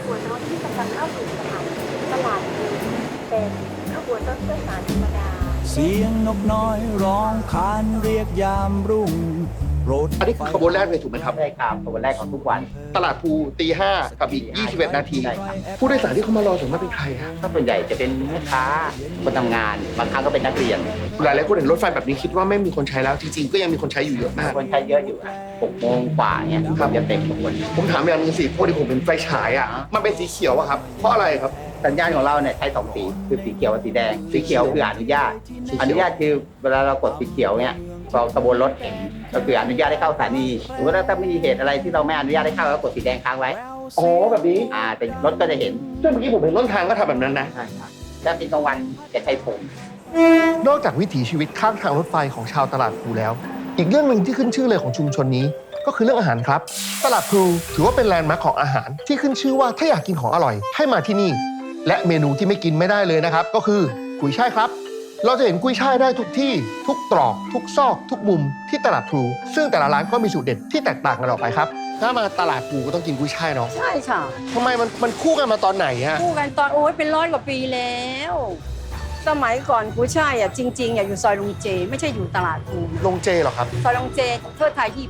บวนรถที่กำลังเข้าสู่สถานีตลาดพลูเป็นขบวนรถโดยสารธรรมดาเสียงนกน้อยร้องครานเรียกยามรุ่งรถอันนี้คือขบวนแรกเลยถูกไหมครับใช่ครับขบวนแรกของทุกวันตลาดภูตี 5 กับอีก 21 นาทีใช่ครับผู้โดยสารที่เขามารอส่วนมากเป็นใครฮะถ้าส่วนใหญ่จะเป็นแม่ค้าคนทำงานบางครั้งก็เป็นนักเรียนหลายๆคนเห็นรถไฟแบบนี้คิดว่าไม่มีคนใช้แล้วจริงๆก็ยังมีคนใช้อยู่เยอะมากคนใช้เยอะอยู่6 โมงกว่าเนี่ยครับจะเต็มขบวนผมถามอย่างหนึงสิพวกที่ผมเป็นไฟฉายอ่ะมันเป็นสีเขียวอะครับเพราะอะไรครับสัญญาณของเราเนี่ยใช้2 สีคือสีเขียวกับสีแดงสีเขียวคืออนุญาตคือเวลาเรากดสีเขียวเนี่ยเราขบวนรถเห็นก็คืออนุญาตให้เข้าสถานีหรือว่าถ้ามีเหตุอะไรที่เราไม่อนุญาตให้เข้าแล้วกดสีแดงค้างไว้อ๋อแบบนี้แต่รถก็จะเห็นซึ่งเมื่อกี้ผมเห็นต้นทางก็ทำแบบนั้นนะใช่ครับถ้าเป็นกลางวันจะใช้ผมนอกจากวิถีชีวิตข้างทางรถไฟของชาวตลาดพลูแล้ว อีกเรื่องหนึ่งที่ขึ้นชื่อเลยของชุมชนนี้ ก็คือเรื่องอาหารครับ ตลาดพลูถือว่าเป็นแลนด์มาร์คของอาหารที่ขึ้นชื่อว่าถ้าอยากกินของอร่อยให้มาที่นี่ และเมนูที่ไม่กินไม่ได้เลยนะครับก็คือกุยช่ายครับ เราจะเห็นกุยช่ายได้ทุกที่ทุกตรอกทุกซอกทุกมุมที่ตลาดพลูซึ่งแต่ละร้านก็มีสูตรเด็ดที่แตกต่างกันออกไปครับถ้ามาตลาดพลูก็ต้องกินกุยช่ายเนาะใช่ค่ะทำไมมันคู่กันมาตอนไหนฮะคู่กันตอนโอ้ยเป็น100 กว่าปีแล้ว สมัยก่อนกุ้ยช่ายอ่ะจริงๆอ่ะอยู่ซอยลุงเจ ไม่ใช่อยู่ตลาดพลูลงเจเหรอครับซอยลุงเจเทิดไทย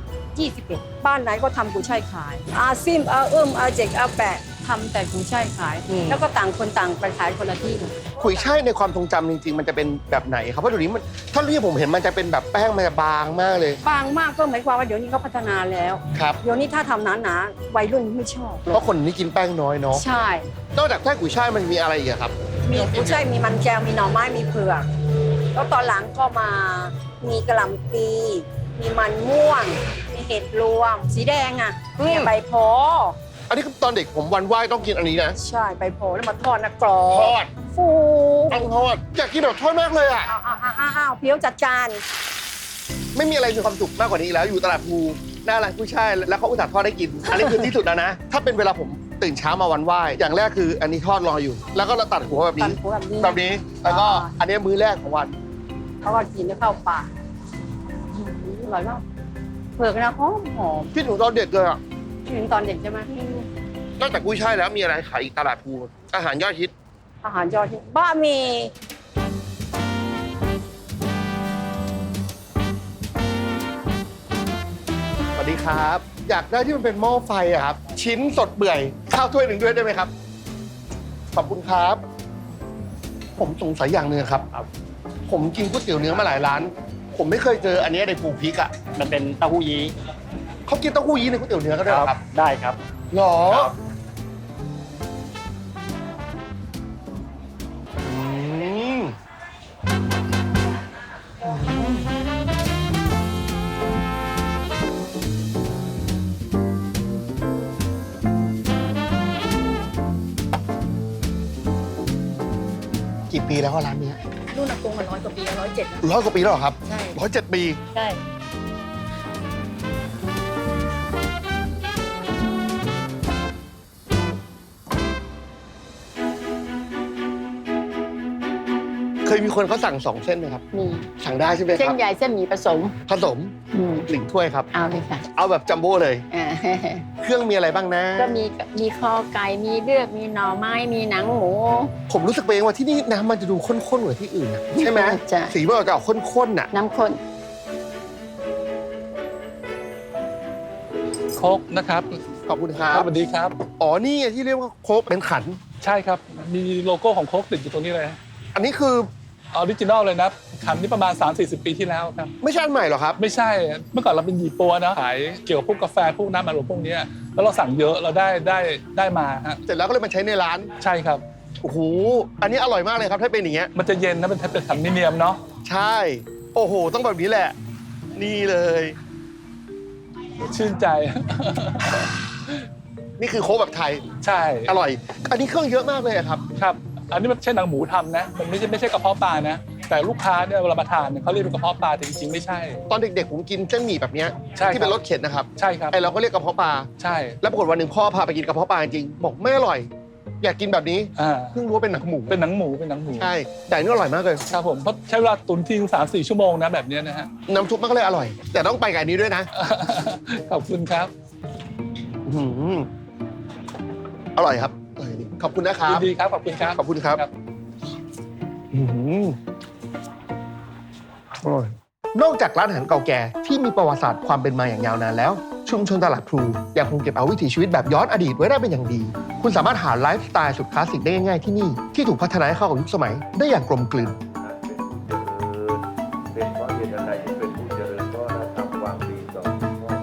21 บ้านไหนก็ทำกุ้ยช่ายขาย อาซิมอาอาเจกอาแปะทำแต่กุ้ยช่ายขาย แล้วก็ต่างคนต่างไปขายคนละที่กุยช่ายในความทรงจำจริงๆมันจะเป็นแบบไหนครับเพราะเดี๋ยวนี้มันเท่าที่ผมเห็นมันจะเป็นแบบแป้งมันจะบางมากเลยบางมากก็หมายความว่าเดี๋ยวนี้เขาพัฒนาแล้วครับเดี๋ยวนี้ถ้าทำหนาๆวัยรุ่นไม่ชอบเพราะคนนี้กินแป้งน้อยเนาะใช่นอกจากแป้งกุยช่ายมันมีอะไรอีกอะครับมีกุ้ยช่ายมีมันแก้วมีหน่อไม้มีเผือกแล้วตอนหลังก็มามีกระหล่ำปีมีมันม่วง มีเห็ดรวม สีแดงอ่ะมีใบโพอันนี้คือตอนเด็กผมวันไหว้ต้องกินอันนี้นะใช่ใบโพแล้วมาทอดนะกรอทบอดฟูต้องทอดอยากกินแบบทอดมากเลยอะอ้าวเพี้ยวจัดจานไม่มีอะไรมีความสุขมากกว่านี้อีกแล้วอยู่ตลาดภูหน้าร้านกุยช่ายแล้วเขาอุตส่าห์ทอดได้กิน อันนี้คือที่สุดแล้วนะ ถ้าเป็นเวลาผมตื่นเช้ามาวันไหว้อย่างแรกคืออันนี้ทอดรออยู่ แล้วก็เราตัดหัวแบบตัดนี้หัวแบบนี้แบบนี้แล้วก็อันนี้มื้อแรกของวันเขาก็กินแล้วเข้าปากอร่อยมากเผือกนะหอมหอมพี่หนูตอนเด็กเลยอะถึงตอนเด็กใช่ไหมนอกจากกุ้ยช่ายแล้วมีอะไรขายอีกตลาดภูอาหารยอดฮิตอาหารยอดฮิตบ้ามีสวัสดีครับ อยากได้ที่มันเป็นหม้อไฟอะครับ ชิ้นสดเปื่อยข้าวถ้วยหนึ่งด้วยได้ไหมครับ ขอบคุณครับ ผมสงสัยอย่างหนึ่งครับ ผมกินก๋วยเตี๋ยวเนื้อมาหลายร้าน ผมไม่เคยเจออันนี้ในภูพริกอะมันเป็นเต้าหู้ยี้เขากินเต้าหู้ยี้ในก๋วยเตี๋ยวเนื้อก็ได้เหรอครับได้ครับหรอครับอืมกี่ปีแล้วอะร้านเนี้ยรุ่นอากงมา100 กว่าปี107นะ 100 กว่าปีแล้วเหรอครับใช่ 107 ปีใช่เคยมีคนเขาสั่ง2 เส้นไหมครับมีสั่งได้ใช่ไหมเส้คน รับใหญ่เส้นหมี่ผสมผสม 1 ถ้วยครับเอาเลยค่ะเอาแบบจัมโบ้เลยอ่าเครื่องมีอะไรบ้างนะก็มีคอไก่ มีเลือด มีหน่อไม้ มีหนังหมูผมรู้สึกไปเองว่าที่นี่น้ำมันจะดูข้นๆกว่าที่อื่นนะใช่ไหมใช่สีมันออกจะออกข้นๆน่ะน้ำข้นโค้กนะครับขอบคุณครัสบวัสดีครับอ๋อ นี่ไงที่เรียกว่าโค้กเป็นขันใช่ครับ มีโลโก้ของโค้กติดอยู่ตรงนี้เลยอันนี้คือออริจินอลเลยนะขันนี้ประมาณ 3-40 ปีที่แล้วครับไม่ใช่อันใหม่เหรอครับไม่ใช่ เมื่อก่อนเราเป็นยี่ปัวนะขายเกี่ยวกับพวกกาแฟพวกน้ำอัดลมพวกเนี้ยแล้วเราสั่งเยอะเราได้มาฮะเสร็จแล้วก็เลยมาใช้ในร้านใช่ครับโอ้โห อันนี้อร่อยมากเลยครับถ้าเป็นอย่างเงี้ยมันจะเย็นนะเป็นขันมิเนียมเนาะใช่ โอ้โห ต้องแบบนี้แหละ นี่เลยชื่นใจนี่คือโค้กแบบไทยใช่อร่อย อันนี้เครื่องเยอะมากเลยอะครับครับ อันนี้มันไม่ใช่หนังหมูทำนะ มันไม่ใช่กระเพาะปลานะ แต่ลูกค้าเนี่ยเวลามาทานเนี่ยเขาเรียกเป็นกระเพาะปลาแต่จริงๆไม่ใช่ตอนเด็กๆผมกินเส้นหมี่แบบเนี้ยใช่ครับที่เป็นรสเข็นนะครับใช่ครับไอเราก็เรียกกระเพาะปลาใช่แล้วปรากฏวันหนึ่งพ่อพาไปกินกระเพาะปลาจริงๆบอกไม่อร่อย อยากกินแบบนี้อ่าเพิ่งรู้ว่าเป็นหนังหมูเป็นหนังหมูเป็นหนังหมูใช่ แต่อันนี่อร่อยมากเลยครับผมเพราะใช้เวลาตุนทิ้ง3-4 ชั่วโมงนะแบบเนี้ยนะฮะน้ำซุปมันก็เลยอร่อย แต่ต้องไปกับอันนี้ด้วยนะขอบคุณครับอื้อหืออร่อยครับขอบคุณนะครัยิบนดีครับขอบคุณครับขอบคุณครับอื้อหืออร่อยนอกจากร้านอาหารเก่าแก่ที่มีประวัติศาสตร์ความเป็นมาอย่างยาวนานแล้ว ชุมชนตลาดพลูยังคงเก็บเอาวิถีชีวิตแบบย้อนอดีตไว้ได้เป็นอย่างดี คุณสามารถหาไลฟ์สไตล์สุดคลาสสิกได้ง่ายๆที่นี่ที่ถูกพัฒนาให้เข้ากับยุคสมัยได้อย่างกลมกลืนเป็นเพราะเหตุอะไรที่เป็นผู้เจริญเพราะเราทำความดีต่อพ่อแม่ของเรา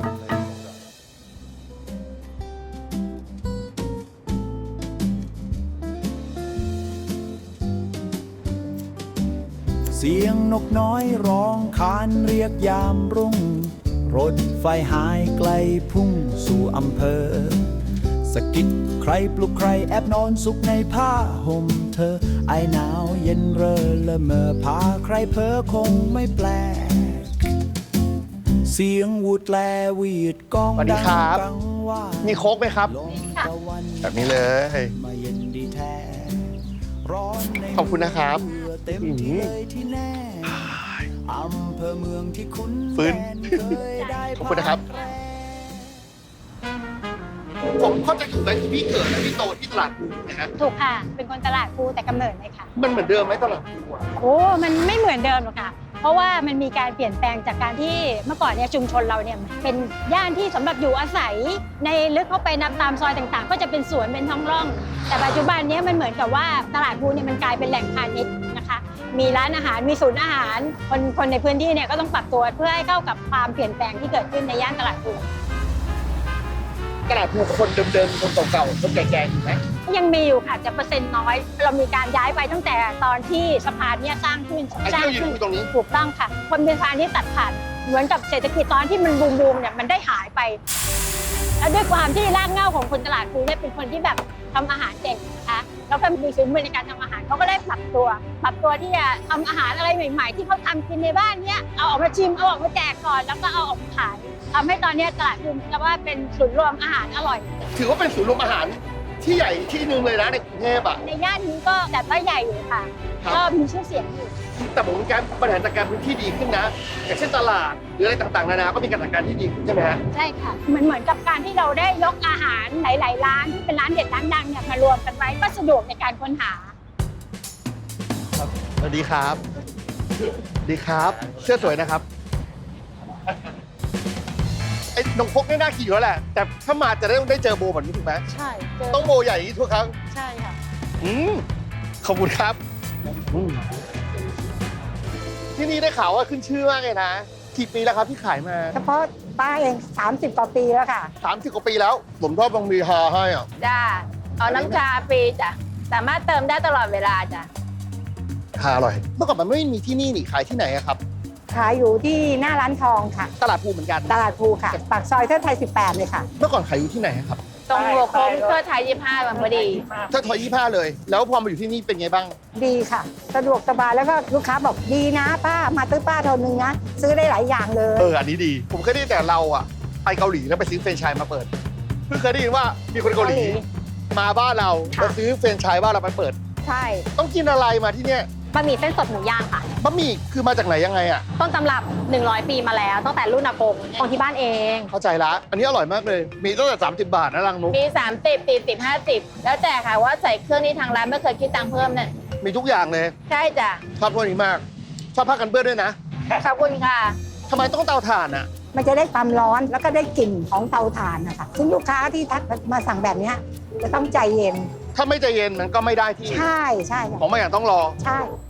เสียงนกน้อยร้องครานเรียกยามรุ่ง รถไฟหายไกลพุ่งสู่อำเภอ สะกิดใครปลุกใครแอบนอนสุขในผ้าห่มเธอ ไอหนาวเย็นเร่อละเมอพาใครเพ้อคงไม่แปลก เสียงวูดแลวีดกองสวัสดีดังดังครับกังว่ามีโค้กไหมครับลมตะวันแบบนี้เลยมาเย็นดีแท้ร้อนในขอบคุณนะครับเมื่อเต็มที่เลยที่แน่อำเภอเมืองที่คุ้นฟื้นแดนเคยได้ขอบคุณนะครับ ผมเข้าใจถูกไหมที่พี่เกิดและพี่โตที่ตลาดพลูนะฮะถูกค่ะ เป็นคนตลาดพลูแต่กำเนิดเลยค่ะมันเหมือนเดิมไหมตลาดพลูอะโอ้ มันไม่เหมือนเดิมหรอกค่ะ เพราะว่ามันมีการเปลี่ยนแปลงจากการที่เมื่อก่อนเนี่ยชุมชนเราเนี่ยเป็นย่านที่สำหรับอยู่อาศัย ในลึกเข้าไปนับตามซอยต่างๆ ก็จะเป็นสวนเป็นท้องร่อง แต่ปัจจุบันเนี้มันเหมือนกับว่าตลาดพลูเนี่ยมันกลายเป็นแหล่งพาณิชย์นะคะ มีร้านอาหารมีศูนย์อาหารคนในพื้นที่เนี่ยก็ต้องปรับตัวเพื่อให้เข้ากับความเปลี่ยนแปลงที่เกิดขึ้นในย่านตลาดพลูตลาดพลูคนเดิมๆคนเก่าๆคนแก่ๆอยู่ไหมยังมีอยู่ค่ะจะเปอร์เซ็นต์น้อย เรามีการย้ายไปตั้งแต่ตอนที่สะพานเนี่ยสร้างขึ้นไอ้ที่เรายืนคุยตรงนี้ถูกต้องค่ะคนเป็นสะพานที่ตัดผ่านเหมือนกับเศรษฐกิจตอนที่มันบูมๆเนี่ยมันได้หายไป แล้วด้วยความที่รากเหง้าของคนตลาดพลูเนี่ยเป็นคนที่แบบทำอาหารเก่งนะคะแล้วก็มีฝีมือในการทำอาหารเขาก็ได้ปรับตัวที่จะทำอาหารอะไรใหม่ๆ ที่เขาทำกินในบ้านเนี่ยเอาออกมาชิมเอาออกมาแจกก่อนแล้วก็เอาออกมาขายทำให้ตอนนี้ตลาดพลูก็ว่าเป็นศูนย์รวมอาหารอร่อยถือว่าเป็นศูนย์รวมอาหารที่ใหญ่ที่หนึ่งเลยนะในกรุงเทพอ่ะในย่านนี้ก็จัดว่าใหญ่อยู่ค่ะครับก็มีชื่อเสียงอยู่แต่ผมการบริหารจัดการพื้นที่ดีขึ้นนะ อย่างเช่นตลาดหรืออะไรต่างๆนานาก็มีการจัดการที่ดีขึ้นใช่ไหมฮะใช่ค่ะเหมือนกับการที่เราได้ยกอาหารหลายๆร้านที่เป็นร้านเด็ดร้านดังเนี่ยมารวมกันไว้ก็สะดวกในการค้นหาสวัสดีครับ ดีครับ เสื้อสวยนะครับ ไอ้นงพกนี่น่าขี่อยู่แล้วแหละ แต่ถ้ามาจะได้เจอโบแบบนี้ถูกไหมใช่เจอต้องโบใหญ่อย่างนี้ทุกครั้งใช่ค่ะขอบคุณครับที่นี่ได้ข่าวว่าขึ้นชื่อมากเลยนะ กี่ปีแล้วครับที่ขายมาเฉพาะป้าเอง30 กว่าปีแล้วค่ะ 30 กว่าปีแล้ว ผมชอบบางมีฮาให้อ่ะจ้า เอาน้ำชาฟรีจ้ะ สามารถเติมได้ตลอดเวลาจ้ะฮาอร่อย เมื่อก่อนมันไม่มีที่นี่นี่ขายที่ไหนอะครับขายอยู่ที่หน้าร้านทองค่ะตลาดภูเหมือนกันตลาดพลูค่ะ ปากซอยเทิดไทย 18 เลยค่ะเมื่อก่อนขายอยู่ที่ไหนอะครับตรงหัวโค้งเพื่อไทย25วันพอดีถ้าทอย25เลย แล้วพอมาอยู่ที่นี่เป็นไงบ้างดีค่ะ สะดวกสบายแล้วก็ลูกค้าบอกดีนะป้ามาตื้อป้าเท่านึงนะ ซื้อได้หลายอย่างเลยอันนี้ดี ผมเคยได้ยินแต่เราอะไปเกาหลีแล้วไปซื้อแฟรนไชส์มาเปิด เพิ่งเคยได้ยินว่ามีคนเกาหลี มาบ้านเราค่ะมาซื้อแฟรนไชส์บ้านเราไปเปิดใช่ต้องกินอะไรมาที่เนี่ยบะหมี่เส้นสดหมูย่างค่ะบะหมี่คือมาจากไหนยังไงอะต้นตำรับ 100 ปีมาแล้ว ตั้งแต่รุ่นอากงของที่บ้านเองเข้าใจละ อันนี้อร่อยมากเลย มีตั้งแต่30 บาทนะรังนุกมี 30 40 50 แล้วแต่ค่ะว่าใส่เครื่องนี้ทางร้านไม่เคยคิดตังค์เพิ่มเนี่ยมีทุกอย่างเลยใช่จ้ะชอบพวกนี้มาก ชอบผ้ากันเปื้อนด้วยนะขอบคุณค่ะทำไมต้องเตาถ่านอะมันจะได้ความร้อนแล้วก็ได้กลิ่นของเตาถ่านนะคะซึ่งลูกค้าที่ทักมาสั่งแบบเนี้ยจะต้องใจเย็นถ้าไม่ใจเย็นมันก็ไม่ได้ที่ใช่ใช่ค่ะของบางอย่างต้องรอใช่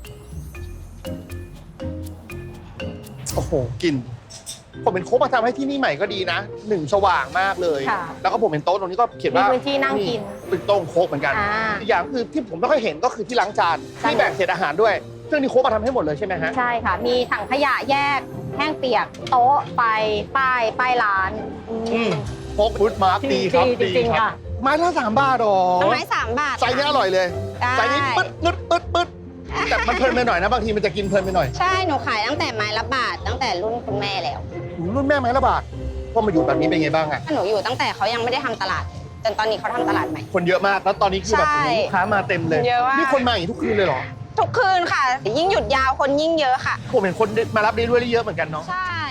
โอ้โหกลิ่นผมเป็นโค้กมาทำให้ที่นี่ใหม่ก็ดีนะหนึ่งสว่างมากเลยค่ะแล้วก็ผมเป็นโต๊ะตรงนี้ก็เขียนมีว่าพื้นที่นั่งกินเป็นโต๊ะโค้กเหมือนกันอ่าอีกอย่างคือที่ผมไม่ค่อยเห็นก็คือที่ล้างจานใช่ที่แบ่งเศษอาหารด้วยซึ่งนี่โค้กมาทำให้หมดเลยใช่ไหมฮะใช่ค่ะ มีถังขยะแยก แห้งเปียก โต๊ะไฟป้ายร้านโค้กฟู้ดมาร์กดีครับจริงๆครัค่ะไม้ละ3 บาทหรอต้นไม้3 บาทไซส์นี้อร่อยเลยได้ไซส์นี้ปึ๊ดปึ๊ดปึ๊ดปึ๊ดแต่มันเพลินไปหน่อยนะบางทีมันจะกินเพลินไปหน่อยใช่ หนูขายตั้งแต่ไม้ละบาท ตั้งแต่รุ่นคุณแม่แล้วรุ่นแม่ไม้ละบาทพอมาอยู่แบบนี้เป็นไงบ้างอะหนูอยู่ตั้งแต่เขายังไม่ได้ทำตลาด จนตอนนี้เขาทำตลาดใหม่คนเยอะมากแล้วตอนนี้คือแบบใช่ลูกค้ามาเต็มเลยเยอะมากนี่คนมาอย่างนี้ทุกคืนเลยเหรอทุกคืนค่ะ ยิ่งหยุดยาวคนยิ่งเยอะค่ะผมเห็นคนมารับเดลิเวอรี่เยอะเหมือนกันเนาะใช่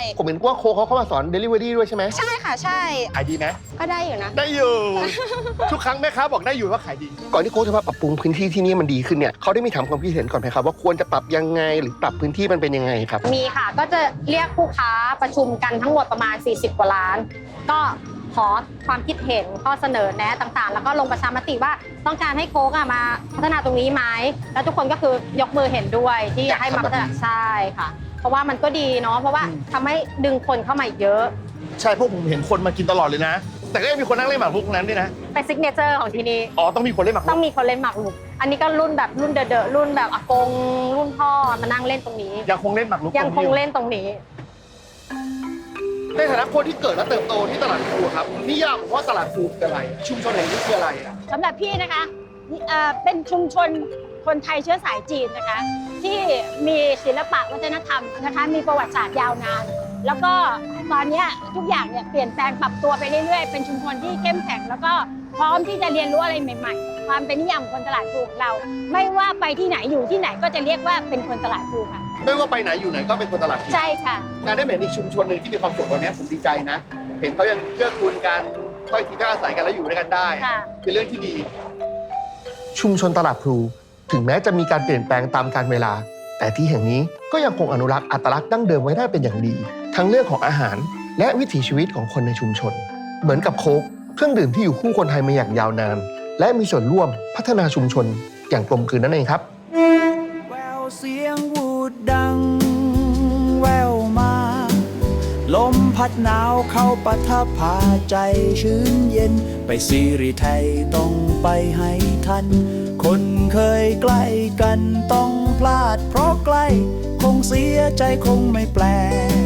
ผมเห็นว่าโค้กเขาเข้ามาสอน Delivery ด้วยใช่ไหมใช่ค่ะใช่ขายดีไหมก็ได้อยู่นะได้อยู่ ทุกครั้งแม่ค้าบอกได้อยู่ว่าขายดี ก่อนที่โค้ชจะมาปรับปรุงพื้นที่ที่นี่มันดีขึ้นเนี่ยเขาได้มีถามความคิดเห็นก่อนไหมครับว่าควรจะปรับยังไงหรือปรับพื้นที่มันเป็นยังไงครับมีค่ะก็จะเรียกผู้ค้าประชุมกันทั้งหมดประมาณ 40 กว่าล้าน ก็ขอความคิดเห็นข้อเสนอแนะต่างๆ แล้วก็ลงประชามติว่าต้องการให้โค้กมาพัฒนาตรงนี้ไหมแล้วทุกคนก็คือยกมือเห็นด้วยที่จะให้มาพัฒนาใช่ค่ะ เพราะว่ามันก็ดีเนาะเพราะว่าทำให้ดึงคนเข้ามาอีกเยอะใช่พวกผมเห็นคนมากินตลอดเลยนะ แต่ก็ยังมีคนนั่งเล่นหมากรุกตรงนั้นด้วยนะเป็นซิกเนเจอร์ของที่นี่อ๋อต้องมีคนเล่นหมากรุต้อก งมีคนเล่นหมากรุกอันนี้ก็รุ่นแบบรุ่นเดอะๆรุ่นแบบอากงรุ่นพ่อมานั่งเล่นตรงนี้ยังคงเล่นหมากรุกยังคงเล่นตรงนี้ในฐานะคนที่เกิดและเติบโตที่ตลาดพลูครับนิยามของว่าตลาดพลูคืออะไร ชุมชนแห่งนี้คืออะไรอะสำหรับพี่นะคะเป็นชุมชนคนไทยเชื้อสายจีนนะคะ ที่มีศิลปะวัฒนธรรมนะคะมีประวัติศาสตร์ยาวนาน แล้วก็ตอนนี้ทุกอย่างเนี่ยเปลี่ยนแปลงปรับตัวไปเรื่อยๆเป็นชุมชนที่เข้มแข็งแล้วก็พร้อมที่จะเรียนรู้อะไรใหม่ๆ ความเป็นนิยามของคนตลาดพลูของเรา ไม่ว่าไปที่ไหนอยู่ที่ไหนก็จะเรียกว่าเป็นคนตลาดพลูค่ะไม่ว่าไปไหนอยู่ไหนก็เป็นคนตลาดพลูใช่ค่ะการได้เห็นอีกชุมชนหนึ่งที่มีความสุขวันนี้ผมดีใจนะ เห็นเขายังเกื้อกูลกันค่อยทีท่าอาศัยกันแล้วอยู่ด้วยกันได้ค่ะเป็นเรื่องที่ดี ชุมชนตลาดพลูถึงแม้จะมีการเปลี่ยนแปลงตามกาลเวลา แต่ที่แห่งนี้ก็ยังคงอนุรักษ์อัตลักษณ์ดั้งเดิมไว้ได้เป็นอย่างดี ทั้งเรื่องของอาหารและวิถีชีวิตของคนในชุมชน เหมือนกับโค้กเครื่องดื่มที่อยู่คู่คนไทยมาอย่างยาวนาน และมีส่วนร่วมพัฒนาชุมชนอย่างกลมกลืนนั่นเองครับแววเสียงวูดดัง แววมา ลมพัดหนาวเข้าปะทะพาใจชื้นเย็น ไปซีรีไทยต้องไปให้ทัน คนเคยใกล้กันต้องพลาดเพราะใกล้ คงเสียใจคงไม่แปลก